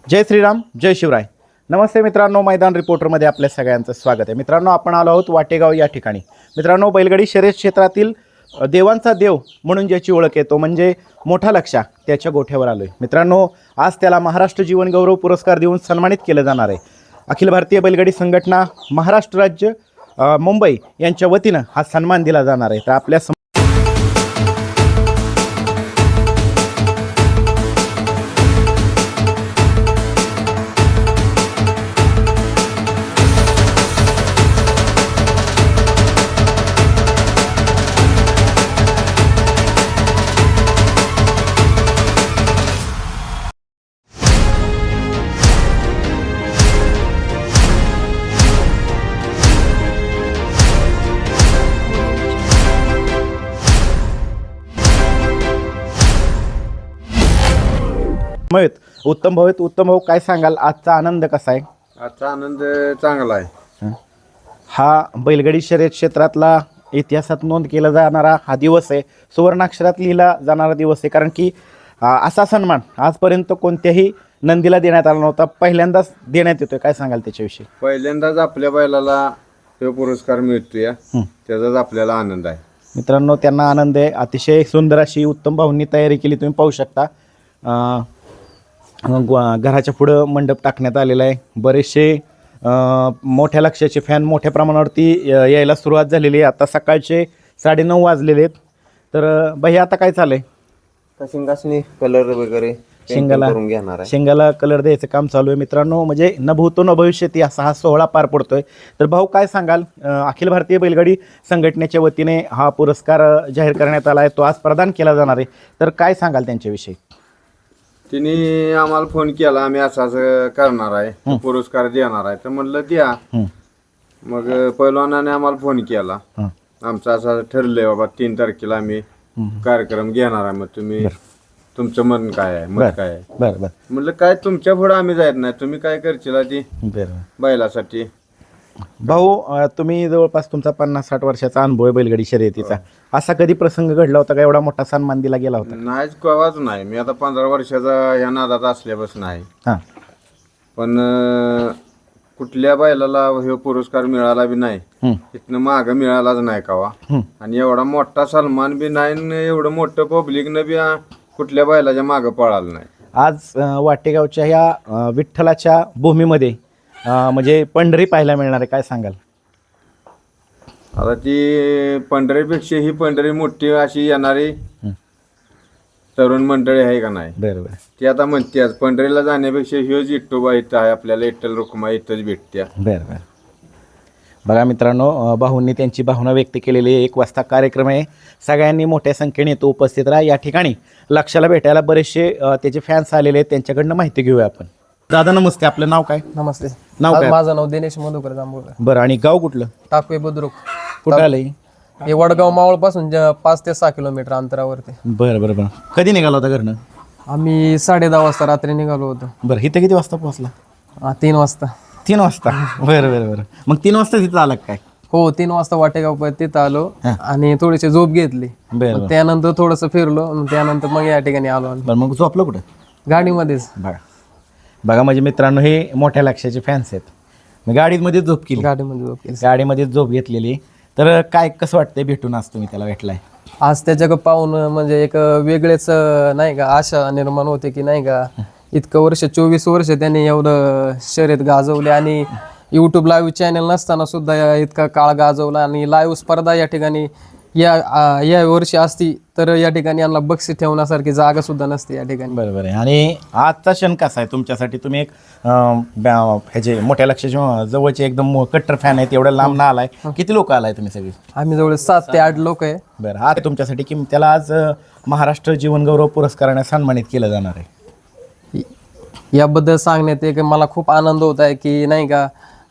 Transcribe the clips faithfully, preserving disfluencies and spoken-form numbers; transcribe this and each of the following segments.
जय श्रीराम, जय शिवराय. नमस्ते मित्रांनो, मैदान रिपोर्टरमध्ये आपल्या सगळ्यांचं स्वागत आहे. मित्रांनो, आपण आलो आहोत वाटेगाव या ठिकाणी. मित्रांनो, बैलगाडी शर्यत क्षेत्रातील देवांचा देव म्हणून ज्याची ओळख आहे तो म्हणजे मोठा लक्ष्या, त्याच्या गोठ्यावर आलो आहे. मित्रांनो, आज त्याला महाराष्ट्र जीवन गौरव पुरस्कार देऊन सन्मानित केलं जाणार आहे. अखिल भारतीय बैलगाडी संघटना महाराष्ट्र राज्य मुंबई यांच्या वतीनं हा सन्मान दिला जाणार आहे. तर आपल्या उत्तम भाऊ उत्तम भाऊ काय सांगाल, आजचा आनंद कसा आहे? आजचा आनंद चांगला आहे. हा बैलगाडी शर्यत क्षेत्रातला इतिहासात नोंद केला जाणारा हा दिवस आहे, सुवर्णाक्षरात लिहिला जाणारा दिवस आहे. कारण की असा सन्मान आजपर्यंत कोणत्याही नंदीला देण्यात आला नव्हता, पहिल्यांदाच देण्यात येतोय. काय सांगाल त्याच्याविषयी? पहिल्यांदाच आपल्या बैलाला तो पुरस्कार मिळतोय, त्याचाच आपल्याला आनंद आहे. मित्रांनो, त्यांना आनंद आहे. अतिशय सुंदर अशी उत्तम भाऊंनी तयारी केली, तुम्ही पाहू शकता. घराच्या पुढं मंडप टाकण्यात आलेला आहे. बरेचसे मोठ्या लक्ष्याचे फॅन मोठ्या प्रमाणावरती यायला सुरुवात झालेली आहे. आता सकाळचे साडेनऊ वाजलेले आहेत. तर भैया आता काय चालू आहे? शिंगासनी कलर वगैरे शिंगाला घेणार आहे. शिंगाला कलर द्यायचं काम चालू आहे. मित्रांनो, म्हणजे न भूतो न भविष्यती असा हा सोहळा पार पडतोय. तर भाऊ काय सांगाल, अखिल भारतीय बैलगाडी संघटनेच्या वतीने हा पुरस्कार जाहीर करण्यात आला आहे, तो आज प्रदान केला जाणार आहे. तर काय सांगाल त्यांच्याविषयी? तिने आम्हाला फोन केला, आम्ही असं असं करणार आहे, पुरस्कार देणार आहे. तर म्हणलं द्या. मग पैलवानाने आम्हाला फोन केला, आमचं असं ठरलंय बाबा तीन तारखेला आम्ही कार्यक्रम घेणार आहे, मग तुम्ही तुमचं मन काय आहे, मत काय आहे? बरं बरं. म्हणलं काय तुमच्या पुढे आम्ही जायत नाही, तुम्ही काय करशील ती बरं. बैलासाठी. भाऊ, तुम्ही जवळपास तुमचा पन्नास साठ वर्षाचा अनुभव आहे बैलगाडी शर्यतीचा. असा कधी प्रसंग घडला होता का एवढा मोठा सन्मान दिला गेला होता? नाहीच, कवाच नाही. मी आता पंधरा वर्षाचा या नादात असल्यापासून आहे. हां. पण कुठल्या बैलाला हे पुरस्कार मिळाला बी नाही, इथनं माग मिळालाच नाही कवा. आणि एवढा मोठा सन्मान बी नाही, एवढं मोठं पब्लिकनं बी कुठल्या बैलाच्या मागं पळालं नाही. आज वाटेगावच्या ह्या विठ्ठलाच्या भूमीमध्ये म्हणजे पंढरी पाहायला मिळणार आहे, काय सांगाल? आता ती पंढरीपेक्षा ही पंढरी मोठी अशी येणारी तरुण मंडळी आहे का नाही? बरोबर. ती आता म्हणते आज पंढरीला जाण्यापेक्षा ह्योच इट्टोबा इथं आहे, आपल्याला इट्टल रुक्मा इथंच भेटत्या. बरोबर. बघा मित्रांनो, भाऊंनी त्यांची भावना व्यक्त केलेली आहे. एक वाजता कार्यक्रम आहे, सगळ्यांनी मोठ्या संख्येने तो उपस्थित राहा. या ठिकाणी लक्षाला भेटायला बरेचसे त्याचे फॅन्स आलेले आहेत, त्यांच्याकडनं माहिती घेऊया आपण. दादा नमस्ते, आपलं नाव काय? नमस्ते, नाव काय? माझं नाव दिनेश मधुकर जांभूळकर. बरं, आणि गाव कुठलं? टाकवे बुद्रुक. कुठं आलंय? हे वडगाव मावळ पासून पाच ते सहा किलोमीटर अंतरावरती. बरं बरं बरं. कधी निघाला होता घरनं? आम्ही साडे दहा वाजता रात्री निघालो होतो. बरं, इथं किती वाजता पोहोचला? हा, तीन वाजता. तीन वाजता बरं बरं बरं. मग तीन वाजता तिथं आला काय? हो, तीन वाजता वाटेगाव पर्यंत तिथं आलो आणि थोडीशी झोप घेतली. बरं. त्यानंतर थोडस फिरलो, त्यानंतर मग या ठिकाणी आलो. बरं, मग झोपलं कुठं? गाडीमध्येच. बघा बघा म्हणजे मित्रांनो, हे मोठ्या लक्ष्याचे फॅन्स आहेत. मी गाडीमध्ये झोप केली, गाडीमध्ये झोप केली. गाडीमध्ये झोप घेतलेली. तर काय कसं वाटतंय भेटून आज तुम्ही त्याला भेटलाय? आज त्याच्याकडे पाहून म्हणजे एक वेगळेच नाही का आशा निर्माण होते की नाही का, इतकं वर्ष चोवीस वर्ष त्यांनी एवढं शर्यत गाजवले आणि यूट्यूब लाईव्ह चॅनल नसताना सुद्धा इतका काळ गाजवला. आणि लाईव्ह स्पर्धा या ठिकाणी या या वर्षी असती तर या ठिकाणी यांना बक्षीस ठेवण्यासारखी जागा सुद्धा नसते या ठिकाणी. बरोबर आहे. आणि आजचा क्षण कसा आहे तुमच्यासाठी? तुम्ही एक ह्याचे मोठ्या लक्ष्याचे जवळचे एकदम कट्टर फॅन आहेत, एवढ्या लांब ना आलाय. किती लोक आलाय तुम्ही सगळे? आम्ही जवळ सात ते आठ लोक आहे. बरं, आज तुमच्यासाठी की त्याला आज महाराष्ट्र जीवन गौरव पुरस्काराने सन्मानित केलं जाणार आहे. याबद्दल सांगण्यात एक मला खूप आनंद होत आहे की नाही का,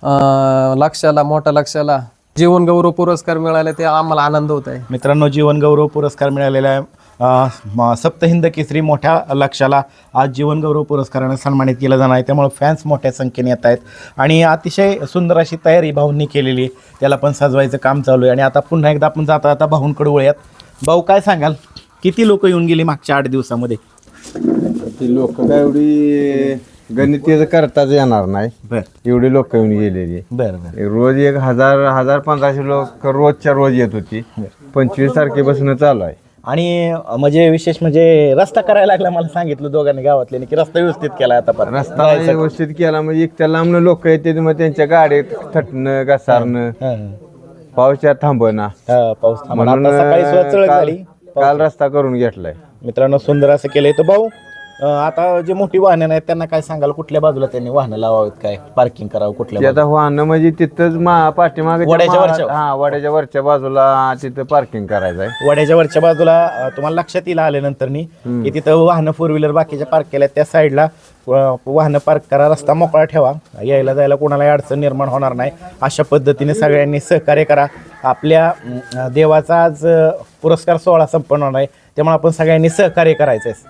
लक्षाला मोठ्या लक्षाला जीवन गौरव पुरस्कार मिळाले, ते आम्हाला आनंद होत आहे. मित्रांनो, जीवन गौरव पुरस्कार मिळालेला आहे. सप्तहिंद केसरी मोठ्या लक्षाला आज जीवन गौरव पुरस्काराने सन्मानित केलं जाणार आहे. त्यामुळे फॅन्स मोठ्या संख्येने येत आहेत आणि अतिशय सुंदर अशी तयारी भाऊंनी केलेली आहे. त्याला पण सजवायचं काम चालू आहे. आणि आता पुन्हा एकदा आपण जाता आता भाऊंकडे वळूयात. भाऊ, काय सांगाल, किती लोक येऊन गेली मागच्या आठ दिवसामध्ये? ती लोक काय एवढी गणित करताच येणार नाही, बर एवढी लोक येऊन गेलेली. बर बर रोज एक हजार हजार पंधराशे लोक रोजच्या रोज येत होती. पंचवीस तारखेपासून चालू आहे. आणि अं, म्हणजे विशेष म्हणजे रस्ता करायला लागला मला सांगितलं दोघांनी गावातले की रस्ता व्यवस्थित केला आता पण रस्ता व्यवस्थित केला म्हणजे इतक्या लांब लोक येते, मग त्यांच्या गाडीत थटणं घसारणं पावसात थांबणं, पाऊस थांबला. म्हणून आता सकाळी सुद्धा चळक काल झाली. काल रस्ता करून घेतलाय. मित्रांनो सुंदर असं केलंय. तर भाऊ अं, आता जे मोठी वाहनं आहेत त्यांना काय सांगाल, कुठल्या बाजूला त्यांनी वाहनं लावावीत, काय पार्किंग करावं ते कुठल्या आता वाहनं म्हणजे तिथंच मा पाठीमागे वड्याच्या वरच्या- हा वड्याच्या वरच्या बाजूला तिथं पार्किंग करायचं आहे. वड्याच्या वरच्या बाजूला अं, तुम्हाला लक्षात येईल आल्यानंतरनी की तिथं वाहनं फोर व्हीलर बाकीच्या पार्क केल्या त्या साईडला वाहनं पार्क करा, रस्ता मोकळा ठेवा, यायला जायला कोणालाही अडचण निर्माण होणार नाही. अशा पद्धतीने सगळ्यांनी सहकार्य करा. आपल्या अं, देवाचा आज अं, पुरस्कार सोहळा संपन्न होणार आहे, त्यामुळे आपण सगळ्यांनी सहकार्य करायचं आहे.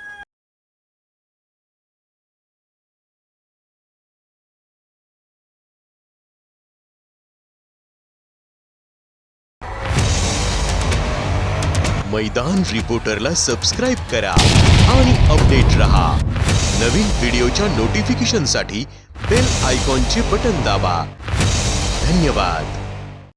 मैदान रिपोर्टरला सबस्क्राइब करा आणि अपडेट रहा. नवीन व्हिडिओच्या नोटिफिकेशनसाठी बेल आयकॉनचे बटन दाबा. धन्यवाद.